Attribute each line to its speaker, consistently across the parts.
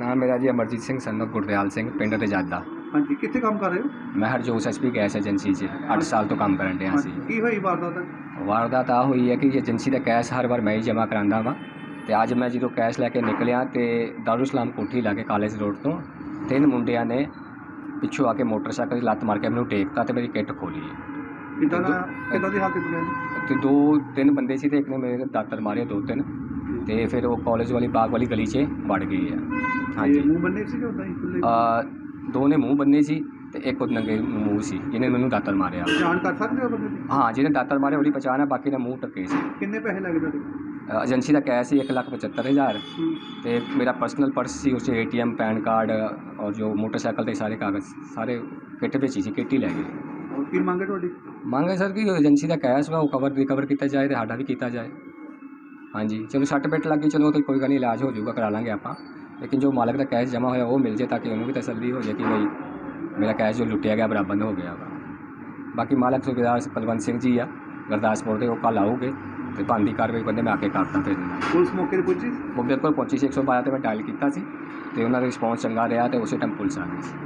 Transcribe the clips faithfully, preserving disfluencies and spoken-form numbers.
Speaker 1: नाम मेरा जी अमरजीत सिंह सन ऑफ गुरदयाल सिंह पिंड रजादा।
Speaker 2: हाँ जी, कितने काम कर रहे हो?
Speaker 1: मैं Harjot S P gas agency से अठ साल तो काम करन डਿਆ ਸੀ।
Speaker 2: ਕੀ ਹੋਈ ਵਾਰਦਾਤ?
Speaker 1: ਵਾਰਦਾਤ ਆ ਹੋਈ ਹੈ ਕਿ ਏਜੰਸੀ ਦਾ ਕੈਸ਼ ਹਰ ਵਾਰ ਮੈਂ ਹੀ ਜਮ੍ਹਾਂ ਕਰਾਉਂਦਾ ਵਾਂ ਤੇ ਅੱਜ ਮੈਂ ਜਦੋਂ ਕੈਸ਼ ਲੈ ਕੇ ਨਿਕਲਿਆ ਤੇ ਦਾਰੂ ਸਲਾਮ ਕੋਠੀ ਲਾ ਕੇ ਕਾਲਜ ਰੋਡ ਤੋਂ ਤਿੰਨ ਮੁੰਡਿਆਂ ਨੇ ਪਿੱਛੋਂ ਆ ਕੇ ਮੋਟਰਸਾਈਕਲ 'ਤੇ ਲੱਤ ਮਾਰ ਕੇ ਮੈਨੂੰ ਟੇਕਤਾ ਤੇ ਮੇਰੀ ਕਿੱਟ ਖੋਲੀ।
Speaker 2: ਕਿੱਦਾਂ ਦਾ ਕਿੱਦਾਂ ਦੀ ਹਾਲਤ ਬਣੀ?
Speaker 1: ਤੇ ਦੋ ਤਿੰਨ ਬੰਦੇ ਸੀ ਤੇ ਇੱਕ ਨੇ ਮੇਰੇ ਦਾਤਰ ਮਾਰੇ ਦੋ ਤਿੰਨ ਤੇ ਫਿਰ ਉਹ ਕਾਲਜ ਵਾਲੀ ਬਾਗ ਵਾਲੀ ਗਲੀ 'ਚ ਵੜ ਗਏ ਆ। ਹਾਂਜੀ,
Speaker 2: ਮੂੰਹ ਬੰਨੇ ਸੀ ਕਿ ਉਦਾਂ ਹੀ ਖੁੱਲੇ?
Speaker 1: ਦੋ ਨੇ ਮੂੰਹ ਬੰਨੇ ਸੀ ਤੇ ਇੱਕ ਉਹ ਨੰਗੇ ਮੂੰਹ ਸੀ ਜਿਹਨੇ ਮੈਨੂੰ ਦਾਤਰ ਮਾਰਿਆ।
Speaker 2: ਪਛਾਣ ਕਰ ਸਕਦੇ ਹੋ ਬੰਦੇ ਦੀ?
Speaker 1: ਹਾਂ, ਜਿਹਨੇ ਦਾਤਰ ਮਾਰੇ ਉਹਦੀ ਪਛਾਣ ਹੈ, ਬਾਕੀ ਦਾ ਮੂੰਹ ਟੱਕੇ ਸੀ।
Speaker 2: ਕਿੰਨੇ ਪੈਸੇ ਲੱਗੇ ਤੁਹਾਡੇ?
Speaker 1: ਏਜੰਸੀ ਦਾ ਕੈਸ਼ ਸੀ ਇੱਕ ਲੱਖ ਪਚੱਤਰ ਹਜ਼ਾਰ ਤੇ ਮੇਰਾ ਪਰਸਨਲ ਪਰਸ ਸੀ, ਉਸ 'ਚ A T M PAN card ਔਰ ਜੋ ਮੋਟਰਸਾਈਕਲ ਦੇ ਸਾਰੇ ਕਾਗਜ਼ ਸਾਰੇ ਕਿੱਟ ਵਿੱਚ ਹੀ ਸੀ, ਕਿੱਟ ਹੀ ਲੈ ਗਏ।
Speaker 2: ਹੋਰ ਕੀ ਮੰਗ ਹੈ ਤੁਹਾਡੀ?
Speaker 1: ਮੰਗ ਹੈ ਸਰ ਕਿ ਏਜੰਸੀ ਦਾ ਕੈਸ਼ ਵਾ ਉਹ ਕਵਰ ਰਿਕਵਰ ਕੀਤਾ ਜਾਏ ਤੇ ਸਾਡਾ ਵੀ ਕੀਤਾ ਜਾਏ। ਹਾਂਜੀ, ਚਲੋ ਸੱਟ ਪਿੱਟ ਲੱਗ ਗਈ, ਚਲੋ ਤਾਂ ਕੋਈ ਗੱਲ ਨਹੀਂ, ਇਲਾਜ ਹੋ ਜਾਊਗਾ, ਕਰਾ ਲਾਂਗੇ ਆਪਾਂ, ਲੇਕਿਨ ਜੋ ਮਾਲਕ ਦਾ ਕੈਸ਼ ਜਮ੍ਹਾਂ ਹੋਇਆ ਉਹ ਮਿਲ ਜੇ ਤਾਂ ਕਿ ਉਹਨੂੰ ਵੀ ਤਸੱਲੀ ਹੋ ਜਾਏ ਕਿ ਬਈ ਮੇਰਾ ਕੈਸ਼ ਜੋ ਲੁੱਟਿਆ ਗਿਆ ਬਰਾਬਰ ਹੋ ਗਿਆ ਵਾ। ਬਾਕੀ ਮਾਲਕ ਸੁਬੇਦਾਰ ਕੁਲਵੰਤ ਸਿੰਘ ਜੀ ਆ ਗੁਰਦਾਸਪੁਰ ਦੇ, ਉਹ ਕੱਲ੍ਹ ਆਉਗੇ ਤੇ ਬਣਦੀ ਕਾਰਵਾਈ ਕਹਿੰਦੇ ਮੈਂ ਆ ਕੇ ਕਰਦਾ। ਫਿਰ
Speaker 2: ਪੁਲਿਸ ਮੌਕੇ 'ਤੇ ਪਹੁੰਚੀ?
Speaker 1: ਉਹ ਬਿਲਕੁਲ ਪਹੁੰਚੀ ਸੀ, ਇੱਕ ਸੌ ਬਾਰਾਂ 'ਤੇ ਮੈਂ ਡਾਇਲ ਕੀਤਾ ਸੀ ਤੇ ਉਹਨਾਂ ਦਾ ਰਿਸਪੌਂਸ ਚੰਗਾ ਰਿਹਾ ਤੇ ਉਸੇ ਟਾਈਮ ਪੁਲਿਸ ਆ ਗਈ ਸੀ।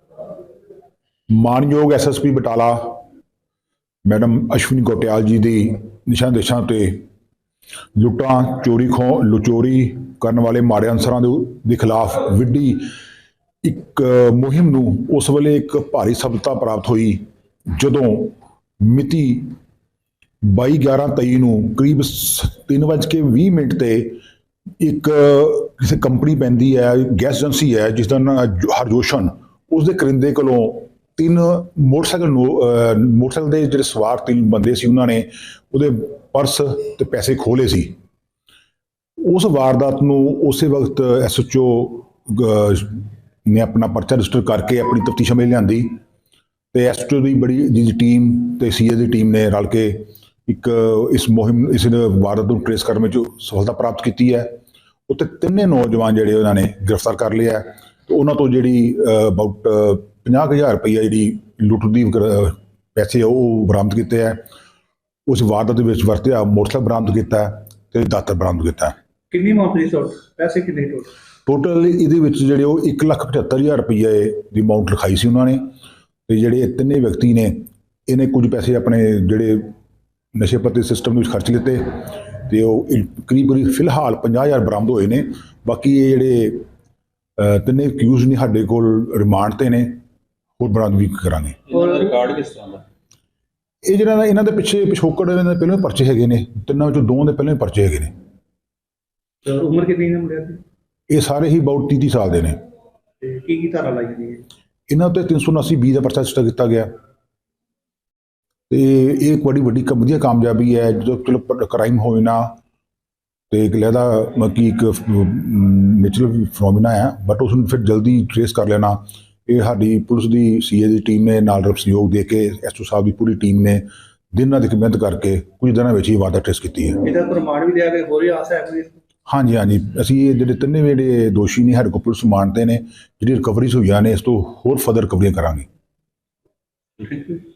Speaker 3: ਮਾਨਯੋਗ S S P Batala madam Ashwani Gotiyal ji ਦੀ ਨਿਸ਼ਾਨ ਦੇਸ਼ਾਂ ਤੇ ਲੁੱਟਾਂ ਚੋਰੀ ਖੋਹ ਲੁਚੋਰੀ ਕਰਨ ਵਾਲੇ ਮਾੜੇ ਅਨਸਰਾਂ ਦੇ ਖਿਲਾਫ ਵਿੱਢੀ ਇੱਕ ਮੁਹਿੰਮ ਨੂੰ ਉਸ ਵੇਲੇ ਇੱਕ ਭਾਰੀ ਸਫਲਤਾ ਪ੍ਰਾਪਤ ਹੋਈ ਜਦੋਂ ਮਿਤੀ ਬਾਈ ਗਿਆਰਾਂ ਤੇਈ ਨੂੰ ਕਰੀਬ ਤਿੰਨ ਵੱਜ ਕੇ ਵੀਹ ਮਿੰਟ 'ਤੇ ਇੱਕ ਕਿਸੇ ਕੰਪਨੀ ਪੈਂਦੀ ਹੈ, ਗੈਸ ਏਜੰਸੀ ਹੈ ਜਿਸ ਦਾ ਨਾਂ ਹਰਜੋਸ਼ਨ, ਉਸ ਦੇ ਕਰਿੰਦੇ ਕੋਲੋਂ ਤਿੰਨ ਮੋਟਰਸਾਈਕਲ ਮੋਟਰਸਾਈਕਲ ਦੇ ਜਿਹੜੇ ਸਵਾਰ ਤਿੰਨ ਬੰਦੇ ਸੀ ਉਹਨਾਂ ਨੇ ਉਹਦੇ ਪਰਸ ਤੇ ਪੈਸੇ ਖੋਹ ਲਏ ਸੀ। ਉਸ ਵਾਰਦਾਤ ਨੂੰ ਉਸੇ ਵਕਤ ਐਸ ਐਚ ਓ ਨੇ ਆਪਣਾ ਪਰਚਾ ਰਜਿਸਟਰ ਕਰਕੇ ਆਪਣੀ ਤਫਤੀਸ਼ ਅਮਲ ਲਿਆਂਦੀ ਤੇ ਐਸ ਐਚ ਓ ਦੀ ਬੜੀ ਜੀ ਟੀਮ ਤੇ ਸੀ ਏ ਦੀ ਟੀਮ ਨੇ ਰਲ ਕੇ ਇੱਕ ਇਸ ਮੁਹਿੰਮ ਇਸ ਵਾਰਦਾਤ ਨੂੰ ਟ੍ਰੇਸ ਕਰਨ ਵਿੱਚ ਸਫਲਤਾ ਪ੍ਰਾਪਤ ਕੀਤੀ ਹੈ। ਉੱਤੇ ਤਿੰਨੇ ਨੌਜਵਾਨ ਜਿਹੜੇ ਉਹਨਾਂ ਨੇ ਗ੍ਰਿਫਤਾਰ ਕਰ ਲਿਆ ਤੇ ਉਹਨਾਂ ਤੋਂ ਜਿਹੜੀ ਅਬਾਊਟ ਪੰਜਾਹ ਕੁ ਹਜ਼ਾਰ ਰੁਪਈਆ ਜਿਹੜੀ ਲੁੱਟ ਦੀ ਪੈਸੇ ਉਹ ਬਰਾਮਦ ਕੀਤੇ ਹੈ। ਉਸ ਵਾਰਦਾਤ ਦੇ ਵਿੱਚ ਵਰਤਿਆ ਮੋਟਰਸਾਈਕਲ ਬਰਾਮਦ ਕੀਤਾ ਤੇ ਦਾਤਰ ਬਰਾਮਦ ਕੀਤਾ।
Speaker 2: ਕਿੰਨੀ ਅਮਾਊਂਟ ਦੀ ਟੋਟਲ ਪੈਸੇ ਕਿੰਨੇ ਟੋਟਲ?
Speaker 3: ਟੋਟਲ ਇਹਦੇ ਵਿੱਚ ਜਿਹੜੇ ਉਹ ਇੱਕ ਲੱਖ ਪਝੱਤਰ ਹਜ਼ਾਰ ਰੁਪਈਏ ਦੀ ਅਮਾਊਂਟ ਲਿਖਾਈ ਸੀ ਉਹਨਾਂ ਨੇ ਤੇ ਜਿਹੜੇ ਤਿੰਨੇ ਵਿਅਕਤੀ ਨੇ ਇਹਨੇ ਕੁਝ ਪੈਸੇ ਆਪਣੇ ਜਿਹੜੇ ਨਸ਼ੇ ਪੱਤੇ ਸਿਸਟਮ ਦੇ ਵਿੱਚ ਖਰਚ ਲਿੱਤੇ ਤੇ ਉਹ ਕਰੀਬ ਕਰੀਬ ਫਿਲਹਾਲ ਪੰਜਾਹ ਹਜ਼ਾਰ ਬਰਾਮਦ ਹੋਏ ਨੇ। ਬਾਕੀ ਇਹ ਜਿਹੜੇ ਤਿੰਨੇ ਅਕਿਊਜ਼ ਨੇ ਸਾਡੇ ਕੋਲ ਰਿਮਾਂਡ ਤੇ ਨੇ, ਹੋਰ ਬਰਾਮਦ ਵੀ ਕਰਾਂਗੇ।
Speaker 2: ਰਿਕਾਰਡ ਕਿਸ ਤਰ੍ਹਾਂ ਦਾ?
Speaker 3: ਇਹ ਜਿਹੜਾ ਨਾ ਇਹਨਾਂ ਦੇ ਪਿੱਛੇ ਪਿਛੋਕੜ ਇਹਨਾਂ ਦੇ ਪਹਿਲਾਂ ਪਰਚੇ ਹੈਗੇ ਨੇ, ਤਿੰਨਾਂ ਵਿੱਚੋਂ ਦੋ ਦੇ ਪਹਿਲਾਂ ਪਰਚੇ ਹੈਗੇ ਨੇ।
Speaker 2: ਉਮਰ ਕਿੰਨੀ ਹੈ ਮੁੰਡਿਆਂ ਦੀ?
Speaker 3: ਇਹ ਸਾਰੇ ਹੀ ਅਬਾਊਟ ਤੀਹ ਤੀਹ ਸਾਲ ਦੇ ਨੇ।
Speaker 2: ਤੇ ਕੀ ਕੀ ਧਾਰਾ ਲਾਈ ਗਈ ਹੈ? ਇਹਨਾਂ
Speaker 3: ਉੱਤੇ ਤਿੰਨ ਸੌ ਉਨਾਸੀ ਬੀ ਦਾ ਪਰਚਾ ਰਜਿਸਟਰ ਕੀਤਾ ਗਿਆ ਤੇ ਇਹ ਇੱਕ ਬੜੀ ਵੱਡੀ ਵਧੀਆ ਕਾਮਯਾਬੀ ਹੈ। ਜਦੋਂ ਚਲੋ ਕ੍ਰਾਈਮ ਹੋਏ ਨਾ ਤੇ ਇੱਕ ਲਹਿਦਾ ਮਤਲਬ ਇੱਕ ਨੈਚੁਰਲ ਫਨੋਮੀਨਾ ਹੈ, ਬਟ ਉਸ ਨੂੰ ਫਿਰ ਜਲਦੀ ਟ੍ਰੇਸ ਕਰ ਲੈਣਾ ਇਹ ਸਾਡੀ ਪੁਲਿਸ ਦੀ ਸੀ ਏ ਦੀ ਟੀਮ ਨੇ ਨਾਲ ਸਹਿਯੋਗ ਦੇ ਕੇ ਐਸ ਓ ਸਾਹਿਬ ਦੀ ਪੂਰੀ ਟੀਮ ਨੇ ਦਿਨ ਰਾਤ ਮਿਹਨਤ ਕਰਕੇ ਕੁਝ ਦਿਨਾਂ ਵਿੱਚ ਹੀ ਵਾਰਦਾਤ ਟ੍ਰੇਸ ਕੀਤੀ ਹੈ।
Speaker 2: ਇਹਦਾ ਪ੍ਰਮਾਣ ਵੀ ਲਿਆ ਕੇ ਹੋਰ ਹੀ ਆਸ ਹੈ ਕੋਈ?
Speaker 3: ਹਾਂਜੀ ਹਾਂਜੀ, ਅਸੀਂ ਇਹ ਜਿਹੜੇ ਤਿੰਨੇ ਜਿਹੜੇ ਦੋਸ਼ੀ ਨੇ ਸਾਡੇ ਕੋਲ ਪੁਲਿਸ ਮਾਨਤੇ ਨੇ, ਜਿਹੜੀ ਰਿਕਵਰੀਜ਼ ਹੋਈਆਂ ਨੇ ਇਸ ਤੋਂ ਹੋਰ ਫਰਦਰ ਰਿਕਵਰੀਆਂ ਕਰਾਂਗੇ।